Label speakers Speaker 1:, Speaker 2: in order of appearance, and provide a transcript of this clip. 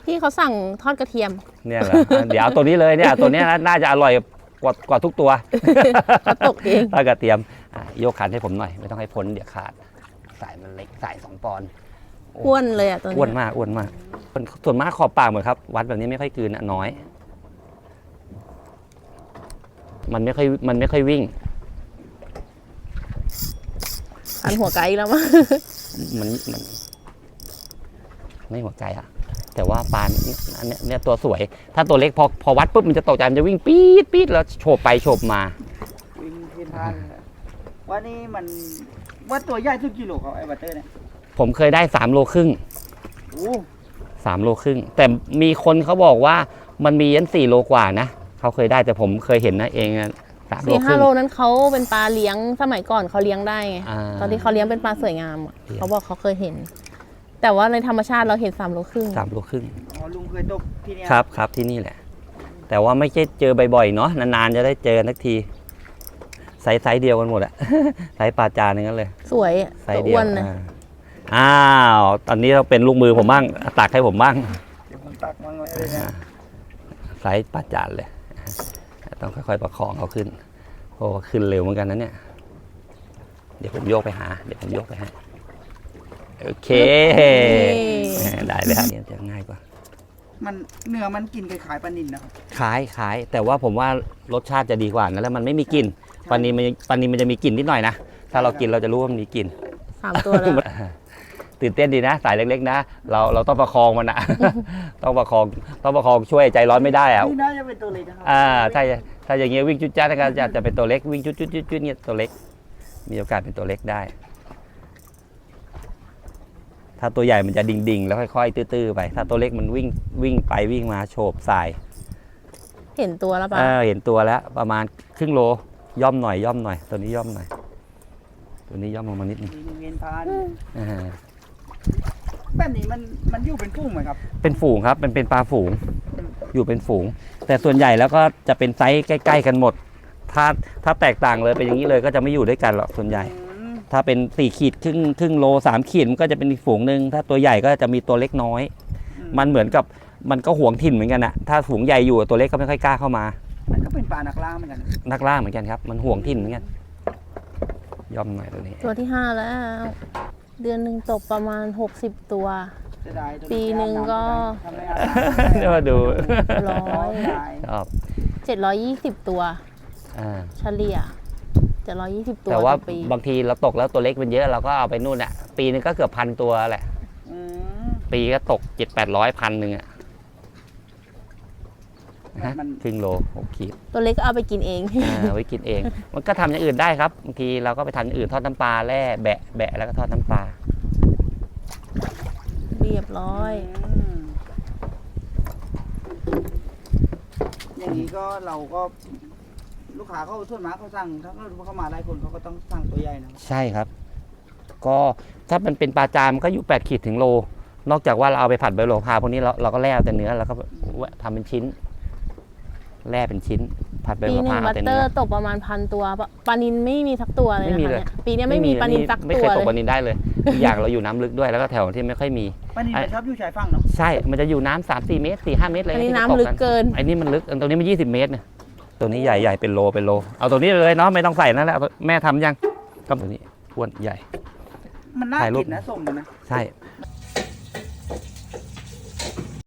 Speaker 1: พี่เขาสั่งทอดกระเทียม
Speaker 2: เนี่ยเหรอเดี๋ยวเอาตัวนี้เลยเนี่ยตัวนี้น่าจะอร่อยกว่าทุกตัว
Speaker 1: เขาตกเอง
Speaker 2: ทอดกระเทียมโยกคันให้ผมหน่อยไม่ต้องให้พ้นเดี๋ยวขาดสายมันเล็กสาย2 ปอนด์
Speaker 1: อ้วนเลยอ่ะตัวนี้
Speaker 2: อ้วนมากส่วนมากขอบปากเหมือนครับวัดแบบนี้ไม่ค่อยกลืนน้อย มันไม่ค่อยวิ่ง
Speaker 1: หันหัวไกลแล้วมั้ง
Speaker 2: มันไม่หัวใจอะแต่ว่าปลาเนี่ยตัวสวยถ้าตัวเล็กพอวัดปุ๊บมันจะตกใจมันจะวิ่งปี๊ดแล้วโฉบไปโฉบมา
Speaker 3: วิ่งเพี้ยนทางว่านี่มันว่าตัวใหญ่สุดกี่โลครับไอ้บัตเตอร์เนี่ย
Speaker 2: ผมเคยได้3 โลครึ่ง
Speaker 3: โอ้
Speaker 2: 3 โลครึ่งแต่มีคนเขาบอกว่ามันมียัน4 โลกว่านะเขาเคยได้แต่ผมเคยเห็นนะเอง3 โลครึ่ง
Speaker 1: 4-5 โลนั้นเขาเป็นปลาเลี้ยงสมัยก่อนเขาเลี้ยงได้ไงตอนที่เขาเลี้ยงเป็นปลาสวยงามเขาบอกเขาเคยเห็นแต่ว่าในธรรมชาติเราเห็น3 โลครึ่ง
Speaker 2: 3 โลครึ่ง
Speaker 3: อ๋อลุงเคยตกที่นี่
Speaker 2: ครับที่นี่แหละแต่ว่าไม่ใช่เจอบ่อยๆเนาะนานๆจะได้เจอสักทีไซส์เดียวกันหมดอะ ไซส์ปลาจานนึงกันเลย
Speaker 1: สวย
Speaker 2: ไซส์เดียวอ้าวตอนนี้เราเป็นลูกมือผมบ้างตักให้ผมบ้าง
Speaker 3: เดี๋ยวผมตักมั่งเลยนะ
Speaker 2: ไซส์ปลาจานเลยต้องค่อยๆประคองเขาขึ้นโอ้ขึ้นเร็วเหมือนกันนะเนี่ยเดี๋ยวผมโยกไปหาโอเคได้เลยครับจะง่ายกว่า
Speaker 3: มันเนื้อมันกินคล้ายปลานิลนะครับ
Speaker 2: คล้ายแต่ว่าผมว่ารสชาติจะดีกว่านะแล้วมันไม่มีกลิ่นปลานิลมันจะมีกลิ่นนิดหน่อยนะถ้าเรากินเราจะรู้ว่ามันมีกลิ่น
Speaker 1: 3 ตัวเลย
Speaker 2: ตื่นเต้นดีนะสายเล็กๆนะเราต้องประคองมันนะ ต้องประคองช่วยใจร้อนไม่ได้อะ
Speaker 3: นี่น่าจะเป็นตัวเล็กนะครับ
Speaker 2: ถ้าอย่างเงี้ยวิ่งจุดจ้าก็จะเป็นตัวเล็กวิ่งจุดเนี่ยตัวเล็กมีโอกาสเป็นตัวเล็กได้ถ้าตัวใหญ่มันจะดิ่งแล้วค่อยๆตื้อๆไปถ้าตัวเล็กมันวิ่งไปวิ่งมาโฉบสาย
Speaker 1: เห็นตัวแล้วป่ะ
Speaker 2: เห็นตัวแล้วประมาณครึ่งโลย่อมหน่อยตัวนี้ย่อมหน่อยตัวนี้ย่อมลงมานิดนึง
Speaker 3: เวียนพานแบบนี้มันอยู่เป็นฝูงไหมครับ
Speaker 2: เป็นฝูงครับเป็นปลาฝูงอยู่เป็นฝูงแต่ส่วนใหญ่แล้วก็จะเป็นไซส์ใกล้ๆกันหมดถ้าแตกต่างเลยเป็นอย่างนี้เลยก็จะไม่อยู่ด้วยกันหรอกส่วนใหญ่ถ้าเป็น4 ขีดครึ่งโล3 ขีดมันก็จะเป็นอีกฝูงหนึ่งถ้าตัวใหญ่ก็จะมีตัวเล็กน้อยมันเหมือนกับมันก็หวงถิ่นเหมือนกันนะถ้าฝูงใหญ่อยู่ตัวเล็กก็ไม่ค่อยกล้าเข้ามา
Speaker 3: มันก็เป็นปลานักล่าเหมือนกัน
Speaker 2: นักล่าเหมือนกันครับมันหวงถิ่นเหมือนกันย่อมหน่อยตัวนี้
Speaker 1: ตัวที่5แล้วเดือนหนึ่งตกประมาณ60 ตัวปีหนึ่งก็
Speaker 2: เดี๋ยวมาดู
Speaker 1: 720 ตัวเฉลี่ย720 ตัว
Speaker 2: แต่ว่าบางทีเราตกแล้วตัวเล็กมันเยอะเราก็เอาไปนู่นอ่ะปีนึงก็เกือบ1,000 ตัวแหละปีก็ตก700-800 1,000อ่ะครึ่งโล6 ขีด
Speaker 1: ตัวเล็กก็เอาไปกินเอง
Speaker 2: ไว้กินเองมันก็ทำอย่างอื่นได้ครับบางทีเราก็ไปทำอย่างอื่นทอดน้ำปลาแล่แบะแล้วก็ทอดน้ำปลา
Speaker 1: เรียบร้อย
Speaker 3: อย่างนี้ก็เราก็ลูกค้าเขาส่วนมากเขาสั่งถ้าเขามาได้คนเขาก็ต้องสั่งตัวใหญ่นะ
Speaker 2: ใช่ครับก็ถ้ามันเป็นปลาจามก็อยู่8 ขีดถึงโลนอกจากว่าเราเอาไปผัดใบโหระพาพวกนี้เราก็แล่แต่เนื้อแล้วก็ทำเป็นชิ้นแล่เป็นชิ้นผัดใบโหระพา
Speaker 1: บัตเตอร์ตกประมาณ1,000 ตัวปลานิลไม่มีสักตัวเลยนะคะปีนี้ไม่มีปลานิลสักตัว
Speaker 2: ไม่เคยตกปลานิลได้เลยอย่างเราอยู่น้ำลึกด้วยแล้วก็แถวที่ไม่ค่อยมี
Speaker 3: ปลานิลชอบอยู่ชายฝั่งเนาะ
Speaker 2: ใช่มันจะอยู่น้ำ3-4 เมตร4-5 เมตรเลย
Speaker 1: อันนี้น้ำลึกเกิน
Speaker 2: อันนี้มันลึกตรงนี้มัน20 เมตรเนี่ยตัวนี้ใหญ่เป็นโลเอาตัวนี้เลยเนาะไม่ต้องใส่นั่นแหละแม่ทำยังครับตัวนี้อ้วนใหญ่
Speaker 3: มันน่ากินนะส้มนะ
Speaker 2: ใช่